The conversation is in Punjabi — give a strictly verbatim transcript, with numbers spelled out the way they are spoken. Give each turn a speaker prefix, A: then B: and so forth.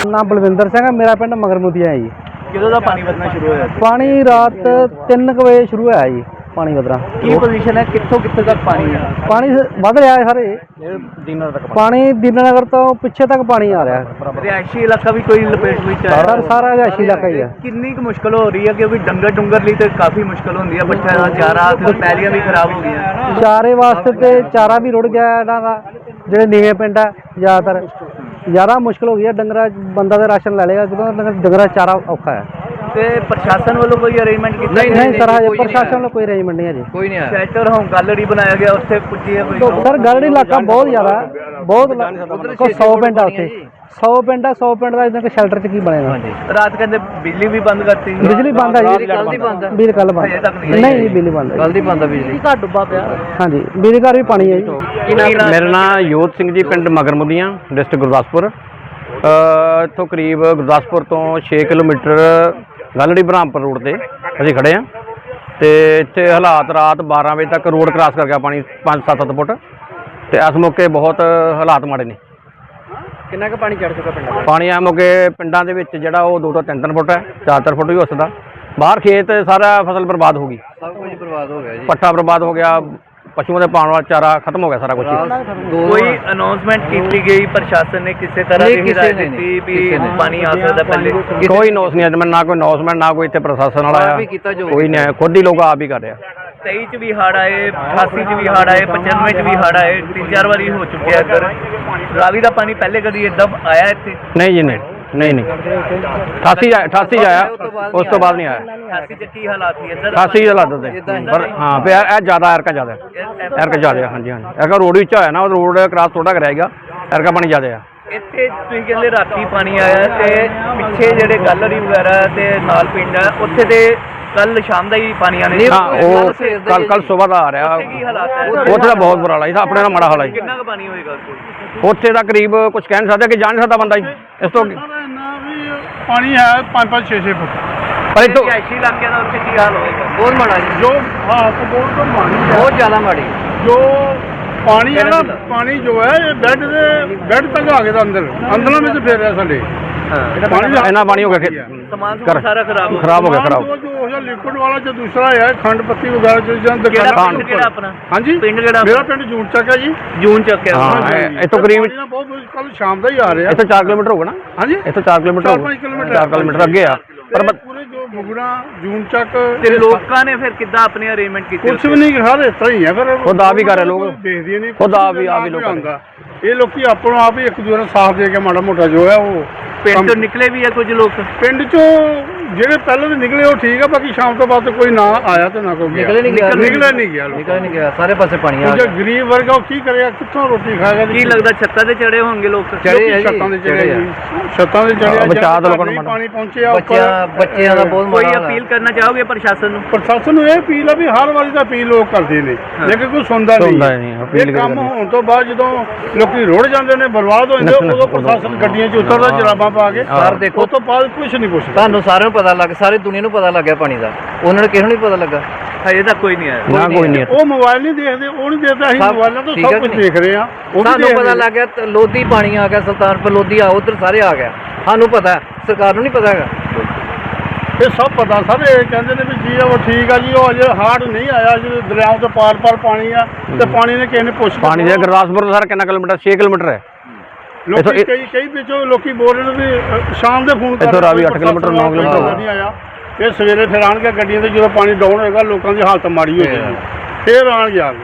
A: नाम बलविंदर सिंह है, मेरा पिंड मगरमुदिया है जी।
B: किदों दा पानी वधना शुरू होया?
A: पानी रात तीन क बजे शुरू होया जी पानी वधना।
B: की पोजीशन है, कित्थों कित्थे तक पानी है?
A: पानी वध रहा है सारे दीना तक पानी, दीनानगर तो पिछे तक पानी आ रहा है।
B: रिहायशी इलाका भी कोई लपेट विच है?
A: सर सारा रिहायशी इलाका ही है।
B: कितनी क मुश्किल हो रही है, क्योंकि डंगर डुंगर लिए तो काफ़ी मुश्किल होती है, पट्ठे का चारा ते पैलियां भी खराब हो गई।
A: चारे वास्ते ते चारा भी रुड़ गया इन्हां दा, ਜਿਹੜੇ ਨੀਵੇਂ ਪਿੰਡ ਹੈ ਜ਼ਿਆਦਾਤਰ ਜ਼ਿਆਦਾ ਮੁਸ਼ਕਿਲ ਹੋ ਗਈ ਹੈ। ਡੰਗਰਾ ਬੰਦਾ ਦਾ ਰਾਸ਼ਨ ਲੈ ਲੇਗਾ ਜਦੋਂ ਡੰਗਰਾ ਚਾਰਾ ਔਖਾ ਹੈ।
B: ਤੇ ਪ੍ਰਸ਼ਾਸਨ ਵੱਲੋਂ ਕੋਈ ਅਰੇਂਜਮੈਂਟ ਕੀਤਾ?
A: ਨਹੀਂ ਨਹੀਂ ਸਰ, ਹਜੇ ਪ੍ਰਸ਼ਾਸਨ ਵੱਲੋਂ ਕੋਈ ਅਰੇਂਜਮੈਂਟ ਨਹੀਂ ਹੈ ਜੀ, ਕੋਈ ਨਹੀਂ ਆਇਆ।
B: ਸ਼ੈਲਟਰ ਹੋਮ ਗੈਲਰੀ ਬਣਾਇਆ ਗਿਆ, ਉੱਥੇ ਪੁੱਜੀ ਹੈ ਕੋਈ?
A: ਸਰ ਗੜੜੀ ਇਲਾਕਾ ਬਹੁਤ ਜ਼ਿਆਦਾ ਬਹੁਤ ਸੌ ਪਿੰਡ ਆ ਉੱਥੇ, सौ पिंड है, सौ पिंड का इतना शैल्टर च की बनेगा।
B: रात कहते बिजली भी बंद करती?
A: बिजली बंद है जी, बिजली कल बंद नहीं, बिजली बंद है, कल दी बंद है बिजली। घर डुब्बा पिया। हाँ जी, बिजली घर भी पानी है जी।
C: मेरा नाम योध सिंह जी, पिंड मगरमुदियां, डिस्ट्रिक्ट गुरदासपुर। इतों करीब गुरदासपुर तो छे किलोमीटर गलड़ी बरहामपुर रोड से असीं खड़े हैं तो इत्थे हालात रात बारह बजे तक रोड क्रॉस कर गया पानी पाँच सत्त सत्त फुट, तो इस मौके बहुत हालात माड़े ने।
A: कितना का पानी चढ़ चुका पिंड?
C: पानी आ मौके पिंडा दे विच जिहड़ा वो दो तो तीन तीन फुट है, चार चार फुट भी हो सकदा। बाहर खेत सारा फसल बर्बाद हो गई,
A: सब कुछ बर्बाद हो गया जी।
C: पट्ठा बर्बाद हो गया, पशुओं के पाने वाला चारा खत्म हो गया सारा कुछ।
B: कोई अनाउंसमेंट की गई प्रशासन ने किसी तरह की हिदायत दी भी पानी आ सकता? पहले
C: कोई नोस नहीं है, ना कोई अनाउंसमेंट, ना कोई इतने प्रशासन वाला आया, कोई नहीं आया, खुद ही लोग आप ही कर रहे हैं।
B: तेई च भी हड़ आए, अठासी च भी हड़ आए, पचानवे च भी हड़ आए, तीन चार बारी हो चुके हैं इधर। रावी का पानी पहले कभी इदा आया इतने?
C: नहीं जी, नहीं नहीं नहीं अठासी अठासी आया, उस तो बाद नहीं आया।
B: अठासी च की हालात थी इधर?
C: अठासी हालात थे पर हाँ पे ज़्यादा एरका ज़्यादा एरका ज़्यादा। हाँ जी हाँ जी, एरका रोड भी होया ना, रोड क्रॉस थोड़ा कराएगा, एरका पानी ज़्यादा है।
B: ਇੱਥੇ ਤੁਸੀਂ ਕਹਿੰਦੇ ਰਾਤੀ ਪਾਣੀ ਆਇਆ ਤੇ ਪਿੱਛੇ ਜਿਹੜੇ ਗੈਲਰੀ ਵਗੈਰਾ ਤੇ ਨਾਲ ਪਿੰਡ ਹੈ ਉੱਥੇ ਤੇ ਕੱਲ ਸ਼ਾਮ ਦਾ ਹੀ ਪਾਣੀ ਆने?
C: हाँ वो कल कल सुबह का आ रहा,
B: ਕੀ ਹਾਲਾਤ ਹੈ
C: ਉੱਥੇ ਦਾ ਬਹੁਤ ਬੁਰਾ ਹਾਲ ਹੈ, ਆਪਣੇ ਨਾਲ ਮਾੜਾ ਹਾਲ ਹੈ।
B: ਕਿੰਨਾ ਕੁ ਪਾਣੀ ਹੋਏਗਾ ਉੱਥੇ?
C: ਉੱਥੇ ਦਾ ਕਰੀਬ ਕੁਝ ਕਹਿ ਨਹੀਂ ਸਕਦਾ, ਕਿ ਜਾ ਨਹੀਂ ਸਕਦਾ ਬੰਦਾ ਜੀ ਇਸ ਤੋਂ।
D: ਪਾਣੀ ਹੈ ਪੰਜ ਪੰਜ ਛੇ ਛੇ ਫੁੱਟ,
C: ਪਰ ਇੱਥੋਂ
B: ਰਿਹਾਇਸ਼ੀ ਇਲਾਕਿਆਂ ਦਾ ਉੱਥੇ ਕੀ ਹਾਲ ਹੋਏਗਾ?
A: बहुत माड़ा जी,
D: ਜੋ ਹਾਂ ਬਹੁਤ ਪਾਣੀ ਹੈ,
A: बहुत ज़्यादा माड़ी।
D: ਜੋ ਪਾਣੀ ਹੈ ਨਾ, ਪਾਣੀ ਜੋ ਹੈ ਇਹ ਬੈੱਡ ਦੇ ਬੈੱਡ ਤੱਕ ਆ ਗਿਆ ਤਾਂ ਅੰਦਰ ਅੰਦਰਾਂ ਵਿੱਚ ਫੇਰ ਰਿਹਾ ਸਾਡੇ ਪਾਣੀ ਦਾ
C: ਇੰਨਾ ਪਾਣੀ ਹੋ ਗਿਆ ਕਿ
B: ਸਮਾਨ ਸਮੂਨ ਸਾਰਾ ਖਰਾਬ ਹੋ
C: ਖਰਾਬ ਹੋ ਗਿਆ, ਖਰਾਬ।
D: ਜੋ ਜੋ ਹੈ ਲਿਕੁਇਡ ਵਾਲਾ ਜੋ ਦੂਸਰਾ ਹੈ ਖੰਡ ਪੱਤੀ ਵਗੈਰਾ ਜੋ ਜਾਂ
B: ਕਿਹੜਾ
D: ਦੁਕਾਨਾਂ
B: ਪਿੰਡ ਕਿਹੜਾ ਆਪਣਾ?
D: ਹਾਂਜੀ
B: ਪਿੰਡ ਕਿਹੜਾ?
D: ਮੇਰਾ ਪਿੰਡ ਜੂਨ ਚੱਕ ਹੈ ਜੀ।
B: ਜੂਨ ਚੱਕ ਹੈ।
C: ਹਾਂ ਇੱਥੋਂ ਕਰੀਬ
D: ਪਾਣੀ ਨਾ ਬਹੁਤ ਕੱਲ ਸ਼ਾਮ ਦਾ ਹੀ ਆ ਰਿਹਾ।
C: ਇੱਥੋਂ ਚਾਰ ਕਿਲੋਮੀਟਰ ਹੋਊਗਾ ਨਾ?
D: ਹਾਂਜੀ
C: ਇੱਥੋਂ ਚਾਰ ਕਿਲੋਮੀਟਰ
D: ਚਾਰ
C: ਹੋਊਗਾ,
D: ਪੰਜ ਕਿਲੋਮੀਟਰ
C: ਚਾਰ ਕਿਲੋਮੀਟਰ ਅੱਗੇ ਆ।
D: ਪਰ ਪੂਰੇ ਜੋ ਬੁਗੜਾ ਜੂਨ ਚੱਕ
B: ਤੇ ਲੋਕਾਂ ਨੇ ਫਿਰ ਕਿੱਦਾਂ ਆਪਣੇ ਅਰੇਂਜਮੈਂਟ ਕੀਤੇ?
D: ਕੁਛ ਵੀ ਨਹੀਂ, ਹਰ ਇਸ ਤਰ੍ਹਾਂ ਹੀ ਹੈ। ਫਿਰ
C: ਖੁਦ ਆਪ ਹੀ ਕਰ ਰਹੇ ਲੋਕ,
D: ਦੇਖਦੇ ਨਹੀਂ,
C: ਖੁਦ ਆਪ ਹੀ ਆਪ ਹੀ ਲੋਕ
D: ਆਉਂਦਾ। ਇਹ ਲੋਕੀ ਆਪਣਾ ਆਪ ਹੀ ਇੱਕ ਦੂਜੇ ਨੂੰ ਸਾਥ ਦੇ ਕੇ ਮਾੜਾ ਮੋਟਾ ਜੋ ਹੈ ਉਹ
B: ਪਿੰਡ ਤੋਂ ਨਿਕਲੇ ਵੀ ਆ ਕੁਝ ਲੋਕ?
D: ਪਿੰਡ ਚੋਂ ਜਿਹੜੇ ਪਹਿਲਾਂ ਦੇ ਨਿਕਲੇ ਉਹ ਠੀਕ ਆ, ਬਾਕੀ ਸ਼ਾਮ ਤੋਂ ਬਾਅਦ ਕੋਈ ਨਾ ਆਇਆ ਤੇ ਨਾ ਕੋਈ ਗਿਆ।
A: ਨਿਕਲੇ ਨਹੀਂ ਗਿਆ,
D: ਨਿਕਲੇ ਨਹੀਂ ਗਿਆ,
A: निकल नहीं गया, सारे पासे पानी आ
D: ਜੋ
A: गया।
D: ਗਰੀਬ ਵਰਗਾ ਉਹ ਕੀ ਕਰੇਗਾ, ਕਿੱਥੋਂ ਰੋਟੀ ਖਾਏਗਾ?
B: ਕੀ ਲੱਗਦਾ ਛੱਤਾਂ ਤੇ ਚੜੇ ਹੋਣਗੇ ਲੋਕ?
A: ਚੜੇ
D: ਲੋਕੀ ਛੱਤਾਂ ਦੇ ਚੜੇ ਜੀ, ਛੱਤਾਂ ਦੇ ਚੜੇ।
C: ਬਚਾਅ ਤਾਂ ਲੋਕਾਂ ਨੂੰ
D: ਪਾਣੀ ਪਹੁੰਚਿਆ
A: बच्चियां बच्चियां का बहुत
B: ਕੋਈ
A: माड़ा हाल है।
B: ਅਪੀਲ ਕਰਨਾ ਚਾਹੋਗੇ ਪ੍ਰਸ਼ਾਸਨ ਨੂੰ?
D: ਪ੍ਰਸ਼ਾਸਨ ਨੂੰ ਇਹ ਅਪੀਲ ਆ ਵੀ ਹਰ ਵਾਰੀ ਤਾਂ ਅਪੀਲ ਲੋਕ ਕਰਦੇ ਨੇ, ਲੇਕਿਨ ਕੋਈ ਸੁਣਦਾ
C: ਸੁਣਦਾ
D: ਨਹੀਂ।
C: ਨਹੀਂ, ਅਪੀਲ
D: ਇਹ ਕੰਮ
C: ਕਰਦੇ
D: ਹੋਣ ਤੋਂ ਬਾਅਦ ਜਦੋਂ ਲੋਕੀ ਰੁੜ ਜਾਂਦੇ ਨੇ, ਬਰਬਾਦ ਹੋ ਜਾਂਦੇ, ਉਦੋਂ ਪ੍ਰਸ਼ਾਸਨ ਗੱਡੀਆਂ 'ਚ ਉਤਰਦਾ ਜਰਾਬਾਂ ਪਾ ਕੇ।
A: ਸਰ ਦੇਖੋ,
D: ਉਸ ਤੋਂ ਬਾਅਦ ਕੁਝ ਨਹੀਂ ਪੁੱਛਦਾ।
A: ਤੁਹਾਨੂੰ ਸਾਰਿਆਂ ਨੂੰ ਪਤਾ ਲੱਗ, ਸਾਰੀ ਦੁਨੀਆ ਨੂੰ ਪਤਾ ਲੱਗ ਗਿਆ ਪਾਣੀ ਦਾ, ਉਹਨਾਂ ਨੂੰ ਕਿਸੇ ਨੂੰ ਨਹੀਂ ਪਤਾ ਲੱਗਾ।
B: ਹਜੇ ਤੱਕ ਕੋਈ ਨਹੀਂ ਆਇਆ।
C: ਨਾ ਕੋਈ ਨਹੀਂ।
D: ਉਹ ਮੋਬਾਈਲ ਨਹੀਂ ਦੇਖਦੇ, ਉਹ ਨਹੀਂ ਦੇਖਦਾ, ਅਸੀਂ
A: ਸਭ
D: ਮੋਬਾਈਲਾਂ ਤੋਂ
A: ਠੀਕ ਹੈ
D: ਸਭ ਕੁਝ
A: ਕਿ
D: ਦੇਖ ਰਹੇ ਆ। ਉਹ ਵੀ
A: ਸਾਨੂੰ
D: ਦੇਖ
A: ਪਤਾ
D: ਰਹੇ।
A: ਲੱਗ ਗਿਆ ਤੇ ਲੋਧੀ ਪਾਣੀ ਆ ਗਿਆ, ਸੁਲਤਾਨਪੁਰ ਲੋਧੀ ਆ, ਉਧਰ ਸਾਰੇ ਆ ਗਿਆ। ਸਾਨੂੰ ਪਤਾ ਹੈ, ਸਰਕਾਰ ਨੂੰ ਨਹੀਂ ਪਤਾ ਹੈਗਾ।
D: ਇਹ ਸਭ ਪਤਾ ਸਰ, ਇਹ ਕਹਿੰਦੇ ਨੇ ਵੀ ਜੀ ਉਹ ਠੀਕ ਆ ਜੀ, ਉਹ ਅਜੇ ਹਾਰਡ ਨਹੀਂ ਆਇਆ, ਜਦੋਂ ਦਰਿਆਵਾਂ ਤੋਂ ਪਾਰ ਪਾਰ ਪਾਣੀ ਆ ਤੇ ਪਾਣੀ ਨੇ ਕਿਸੇ ਨੇ ਪੁੱਛ
C: ਪਾਣੀ ਦੇ ਗੁਰਦਾਸਪੁਰ ਤੋਂ ਸਰ ਕਿੰਨਾ ਕਿਲੋਮੀਟਰ? ਛੇ ਕਿਲੋਮੀਟਰ ਹੈ।
D: ਲੋਕੀ ਕਈ ਕਈ ਵਿੱਚੋਂ ਲੋਕੀ ਬੋਲ ਰਹੇ ਨੇ ਵੀ ਅ, ਸ਼ਾਮ ਦੇ ਫੋਨ
C: ਇੱਥੋਂ ਰਾਵੀ ਅੱਠ ਕਿਲੋਮੀਟਰ, ਨੌ ਕਿਲੋਮੀਟਰ
D: ਨਹੀਂ ਆਇਆ। ਇਹ ਸਵੇਰੇ ਫਿਰ ਆਣਗੇ ਗੱਡੀਆਂ ਤੇ, ਜਦੋਂ ਪਾਣੀ ਡਾਊਨ ਹੋਏਗਾ ਲੋਕਾਂ ਦੀ ਹਾਲਤ ਮਾੜੀ ਹੋ ਜਾਏਗੀ, ਫਿਰ ਆਣਗੇ ਆ ਕੇ।